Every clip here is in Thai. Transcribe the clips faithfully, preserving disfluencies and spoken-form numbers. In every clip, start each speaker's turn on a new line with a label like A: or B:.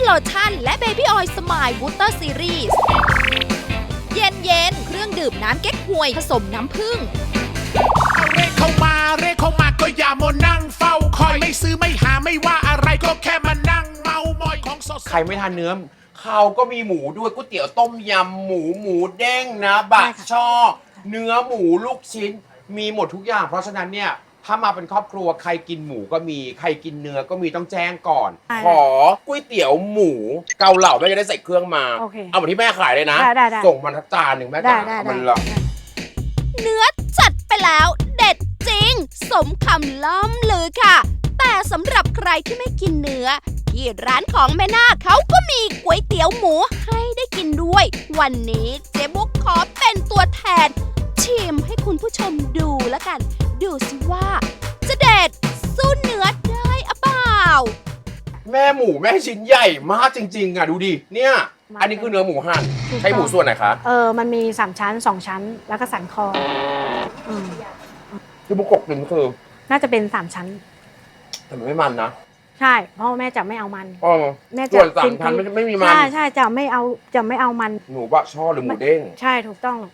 A: โลชั่นและเบบี้ออยล์สมายบูสเตอร์ซีรีส์เย็นเย็นเครื่องดื่มน้ำเก๊กฮวยผสมน้ำผึ้ง
B: เรียกเข้ามาเรียกเข้ามาก็อย่ามานั่งเฝ้าคอยไม่ซื้อไม่หาไม่ว่าอะไรก็แค่มานั่งเมามอยของสด
C: ใครไม่ทานเนื้อเขาก็มีหมูด้วยก๋วยเตี๋ยวต้มยำหมูหมูเด้งนะบะช่อเนื้อหมูลูกชิ้นมีหมดทุกอย่างเพราะฉะนั้นเนี่ยถ้ามาเป็นครอบครัวใครกินหมูก็มีใครกินเนื้อก็มีต้องแจ้งก่อนขอก๋วยเตี๋ยวหมูเกาเหลาแม่จะได้ใส่เครื่องมาเอาเหมือนที่แม่ขายเลยนะส่งมาทักจานหนึ่งแม่จ๋าเอามันละ
A: เนื้อจัดไปแล้วเด็ดจริงสมคำล่ำลือค่ะแต่สำหรับใครที่ไม่กินเนื้อที่ร้านของแม่นาคเขาก็มีก๋วยเตี๋ยวหมูให้ได้กินด้วยวันนี้เจ๊บุ๊กขอเป็นตัวแทนชิมให้คุณผู้ชมดูแล้วกันดูสิว่าจะเด็ดสู้เนื้อได้อะเปล่า
C: แม่หมูแม่ชิ้นใหญ่มากจริงๆอ่ะดูดิเนี่ยอันนี้คือเนื้อหมูหั่นใช้หมูส่วนไหนคะ
D: เออมันมีสามชั้นสองชั้นแล้วก็สันคออืม
C: ที่บุกกกินคือ
D: น่าจะเป็นสามชั้น
C: แต่มันไม่มันนะ
D: ใช่เพราะแม่จะไม่เอามัน
C: แม่จะส่วนสามชั้นไม่ไม่มีมัน
D: ใช่ใช่จะไม่เอาจะไม่เอามัน
C: หมูบะช่อหรือหมูเด้ง
D: ใช่ถูกต้อง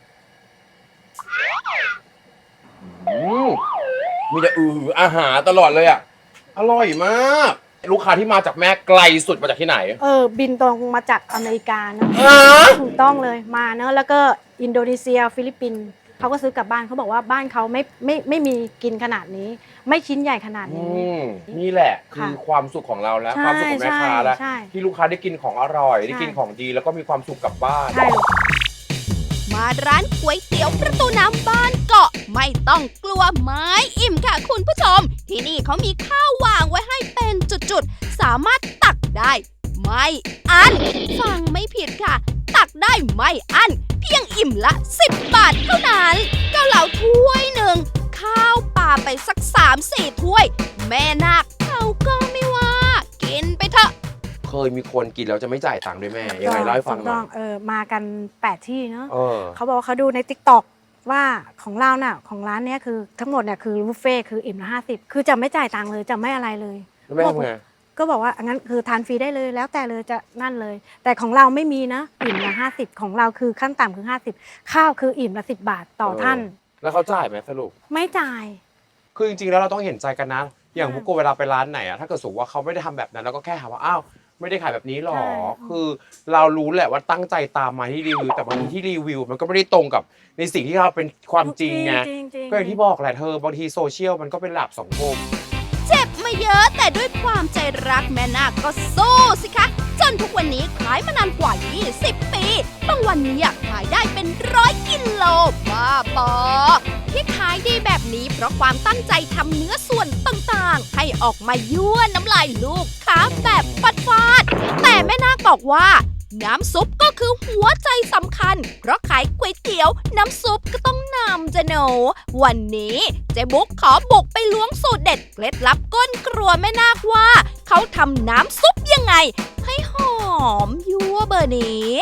C: มีแต่อืออาหารตลอดเลยอ่ะอร่อยมากลูกค้าที่มาจากแม่ไกลสุดมาจากที่ไหน
D: เออบินตรงมาจากอเมริกาเนอะถูกต้องเลยมาเนอะแล้วก็อินโดนีเซียฟิลิปปินส์เขาก็ซื้อกลับบ้านเขาบอกว่าบ้านเขาไม่ไม่ไม่มีกินขนาดนี้ไม่ชิ้นใหญ่ขนาดนี้
C: นี่แหละคือความสุขของเราแล้วความสุขของแม่ค้าแล้วที่ลูกค้าได้กินของอร่อยได้กินของดีแล้วก็มีความสุขกลับบ้าน
A: มาร้านก๋วยเตี๋ยวประตูน้ำบ้านเกาะไม่ต้องกลัวไม้อิ่มค่ะคุณผู้ชมที่นี่เขามีข้าววางไว้ให้เป็นจุดๆสามารถตักได้ไม่อั้นฟังไม่ผิดค่ะตักได้ไม่อั้นเพียงอิ่มละสิบบาทเท่านั้นเกาเหลาถ้วยหนึ่งข้าวปลาไปสักสามสี่ถ้วยแม่นาคเขาก็ไม่ว่ากินไปเถอะ
C: เคยมีคนกินแล้วจะไม่จ่ายตังค์ด้วยแม่ยังไงเล่าให้ฟังหน่อย
D: เออมากันแปดที่เนาะเขาบอกเขาดูใน ติ๊กต็อก ว่าของเราน่ะของร้านเนี้ยคือทั้งหมดเนี่ยคือบุฟเฟ่คืออิ่มละห้าสิบคือจะไม่จ่ายตังค์เลยจะไม่อะไรเลย
C: แม่ทำไง
D: ก็บอกว่างั้นคือทานฟรีได้เลยแล้วแต่เลยจะนั่นเลยแต่ของเราไม่มีนะอิ่มละห้าสิบของเราคือขั้นต่ำคือห้าสิบข้าวคืออิ่มละสิบบาทต่อท่าน
C: แล้วเขาจ่ายไหมสรุป
D: ไม่จ่าย
C: คือจริงๆแล้วเราต้องเห็นใจกันนะอย่างพวกกูเวลาไปร้านไหนอะถ้าเกิดสมมติว่าเขาไม่ได้ทำแบบนั้นเราก็แค่หาว่าอ้าวไม่ได้ขายแบบนี้หรอคือเรารู้แหละว่าตั้งใจตามมาที่รีวิวแต่บางทีที่รีวิวมันก็ไม่ได้ตรงกับในสิ่งที่เราเป็นความจริงไงก็อย่างที่บอกแหละเธอบางทีโซเชียลมันก็เป็นหลักสังคม
A: เจ็บมาเยอะแต่ด้วยความใจรักแม่นาคก็สู้สิคะจนทุกวันนี้ขายมานานกว่ายี่สิบปีบางวันนี้ขายได้เป็นร้อยกิโลบ้าบอที่ขายดีแบบนี้เพราะความตั้งใจทำเนื้อส่วนต่างๆให้ออกมายั่วน้ำลายลูกค้าแบบฟาดๆแต่แม่นาคบอกว่าน้ำซุปก็คือหัวใจสำคัญเพราะขายก๋วยเตี๋ยวน้ำซุปก็ต้องนำจะหนูวันนี้เจ๊บุ๊กขอบุกไปล้วงสูตรเด็ดเคล็ดลับก้นครัวแม่นาคว่าเขาทำน้ำซุปยังไงให้หอมยั่วเบอร์นี้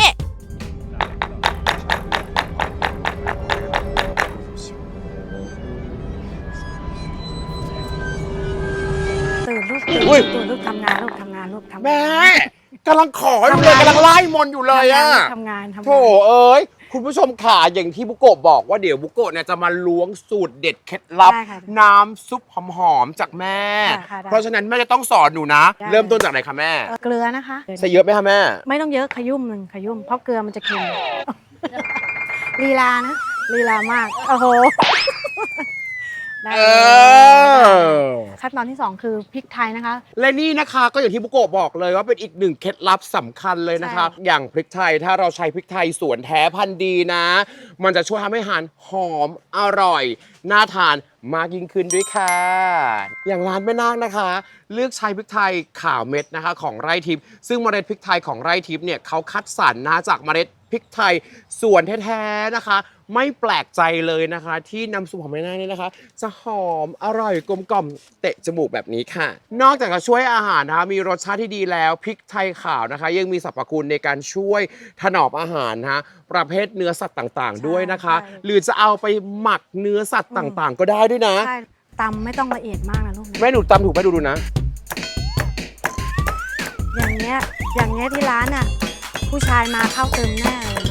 D: ตื่นลูกตื่นลูกทำงานลูกทำงานลูกทำงาน
C: แม่กำลังขออยู่เลยกำลังไล่มนอยู่เลยอ่ะ
D: ทำงานทำงาน
C: โถเอ้ยคุณผู้ชมขาอย่างที่บุโกะบอกว่าเดี๋ยวบุโกะเนี่ยจะมาล้วงสูตรเด็ดเคล็ดลับน้ำซุปหอมๆจากแม่เพราะฉะนั้นแม่จะต้องสอนหนูนะเริ่มต้นจากไหนคะแม่
D: เกลือนะคะ
C: ใส่เยอะไหมคะแม่
D: ไม่ต้องเยอะขยุ่มหนึ่งขยุ่มเพราะเกลือมันจะเค็มลีลานะลีลามากโอ้โหขั้นตอนที่สองคือพริกไทยนะคะ
C: และนี่นะคะก็อย่างที่บุโกะบอกเลยว่าเป็นอีกหนึ่งเคล็ดลับสำคัญเลยนะคะอย่างพริกไทยถ้าเราใช้พริกไทยสวนแท้พันธุ์ดีนะมันจะช่วยทำให้อาหารหอมอร่อยน่าทานมากยิ่งขึ้นด้วยค่ะอย่างร้านแม่นาคนะคะเลือกใช้พริกไทยขาวเม็ดนะคะของไร่ทิพย์ซึ่งเมล็ดพริกไทยของไร่ทิพย์เนี่ยเขาคัดสรรนะจากเมล็ดพริกไทยสวนแท้ๆนะคะไม่แปลกใจเลยนะคะที่น้ำซุปของแม่นาคเนี่ยนะคะจะหอมอร่อยกลมกล่อมเตะจมูกแบบนี้ค่ะนอกจากจะช่วยอาหารนะคะมีรสชาติที่ดีแล้วพริกไทยขาวนะคะยังมีสรรพคุณในการช่วยถนอมอาหารนะคะประเภทเนื้อสัตว์ต่างๆด้วยนะคะหรือจะเอาไปหมักเนื้อสัตว์ต่างๆก็ได้ด้วยนะ
D: ตำไม่ต้องละเอียดมากนะลูก
C: แม่หนูตำถูกไหมดูดูนะ
D: อย่างเงี้ยอย่างเงี้ยที่ร้านอ่ะผู้ชายมาเข้าเติมแน่เลย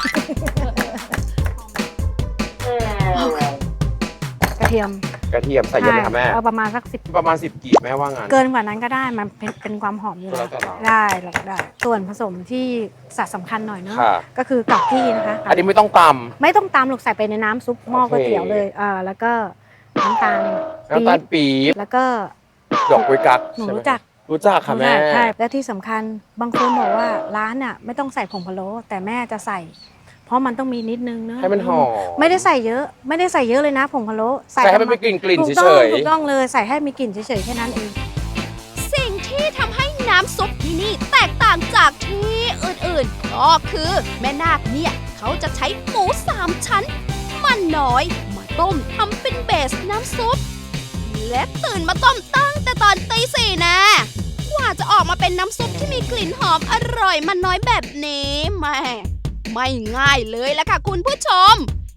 D: กระเทียม
C: กระเทียมใส่เยอะไหมคะแม่
D: เอาประมาณสักสิบ
C: ประมาณสิบกีบแม่ว่างั้น
D: เกินกว่านั้นก็ได้มันเป็นเป็นความหอมอยู่
C: แล้
D: แล้ว
C: วแต่เรา
D: ได้แล้วก็ได้ ส่วนผสมที่สัดสำคัญหน่อยเนาะ
C: ค่ะ
D: ก็คือกับกี้นะคะ
C: อันนี้ไม่ต้องต
D: ไม่ต้องตามหรอกใส่ไปในน้ำซุปหม้อ
C: โอเค
D: ก๋วยเตี๋ยวเลยอ่าแล้วก็น้ำตาล
C: ำน้ำตาลปี๊บ
D: แล้วก็
C: ดอกกุยกั๊ก
D: หนู
C: ใช่ไม
D: รู้จัก
C: รู้จักค่ะแม่
D: ใช่ใช่และที่สำคัญบางคนบอกว่าร้านน่ะไม่ต้องใส่ผงพะโล้แต่แม่จะใส่ เพราะมันต้องมีนิดนึงเนอะ
C: ให้มันหอม
D: ไม่ได้ใส่เยอะ ไม่ได้ใส่เยอะเลยนะผงพะโล้
C: ใส่ให้มันมีกลิ่นกลิ่น
D: ถูก
C: เฉ
D: ต้อง
C: ย
D: ถูกต้องเลยใส่ให้มีกลิ่นเฉยๆแค่นั้นเอง
A: สิ่งที่ทำให้น้ำซุปที่นี่แตกต่างจากที่อื่นๆ ก็คือแม่นาคเนี่ยเขาจะใช้หมูสามชั้น มันน้อยมาต้มทำเป็นเบสน้ำซุป และตื่นมาต้มตั้งแต่ตอนตีสี่นะกว่าจะออกมาเป็นน้ำซุปที่มีกลิ่นหอมอร่อยมันน้อยแบบนี้แม่ไม่ง่ายเลยละค่ะคุณผู้ชม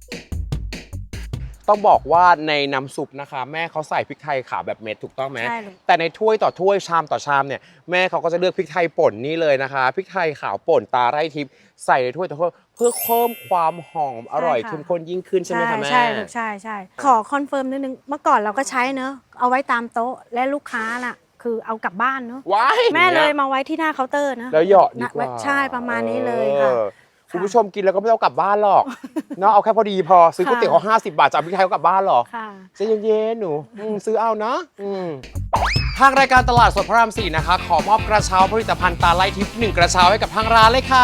C: ๆต้องบอกว่าในน้ำซุปนะคะ แม่เขาใส่พริกไทยขาวแบบเม็ดถูกต้องไหม
D: ใช่เลย
C: แต่ในถ้วยต่อถ้วยชามต่อชามเนี่ยแม่เขาก็จะเลือกพริกไทยป่นนี่เลยนะคะพริกไทยขาวป่นตาไร่ทิพย์ใส่ในถ้วยต่อถ้วยเพื่อเพิ่มความหอมอร่อยเข้มข้นยิ่งขึ้นใช่ไหมคะแม่
D: ใช่ลูกใช่ใช่ขอคอนเฟิร์มนิดนึงเมื่อก่อนเราก็ใช้เนอะเอาไว้ตามโต๊ะและลูกค้าน่ะคือเอากลับบ้านเนอะ
C: ว้าย
D: แม่เลยมาไว้ที่หน้าเคาน์เตอร์นะ
C: แล้วเหยาะดี
D: นะ
C: กว่า
D: ใช่ประมาณนี้เลยค่ะ
C: ออคุณผู้ชมกินแล้วก็ไม่ต้องกลับบ้านหรอกเนาะเอาแค่พอดีพอซื้อก๋วยเตี๋ยวเขาห้าสิบบาทจะเอาพริกไทยเขากลับบ้านหรอ
D: ค่ะ
C: ใจเย็นๆหนูอืมซื้อเอานะอืมทางรายการตลาดสดพระรามสี่นะคะ ขอมอบกระเช้าผลิตภัณฑ์ตาไล่ทิพย์หนึ่งกระเช้าให้กับทางร้านเลยค่ะ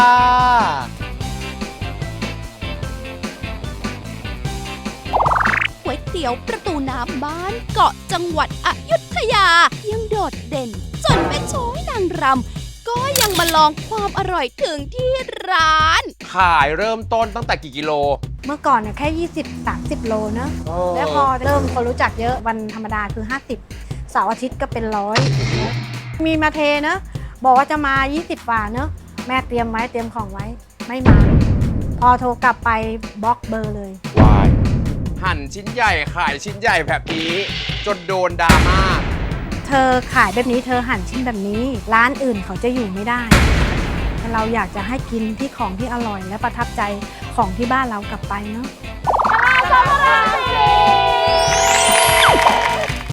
A: ก๋วยเตี๋ยวประตูน้ำบ้านเกาะจังหวัดอยุธยา ยังโดดเด่น จนแม่ช้อยนางรำก็ยังมาลองความอร่อยถึงที่ร้าน
C: ขายเริ่มต้นตั้งแต่กี่กิโล
D: เมื่อก่อนเนี่ยแค่ ยี่สิบ สามสิบ โลเนอะ
C: เออ
D: แล้วพอเริ่มคนรู้จักเยอะวันธรรมดาคือ ห้าสิบ เสาร์อาทิตย์ก็เป็นร้อยมีมาเทเนอะบอกว่าจะมา ยี่สิบกว่าเนอะแม่เตรียมไว้เตรียมของไว้ไม่มา พอโทรกลับไปบล็อกเบอร์เลย
C: วายหั่นชิ้นใหญ่ขายชิ้นใหญ่แบบนี้ จนโดนดราม่า
D: เธอขายแบบนี้เธอหั่นชิ้นแบบนี้ ร้านอื่นเขาจะอยู่ไม่ได้แต่เราอยากจะให้กินที่ของที่อร่อยและประทับใจของที่บ้านเรากลับไปเนาะ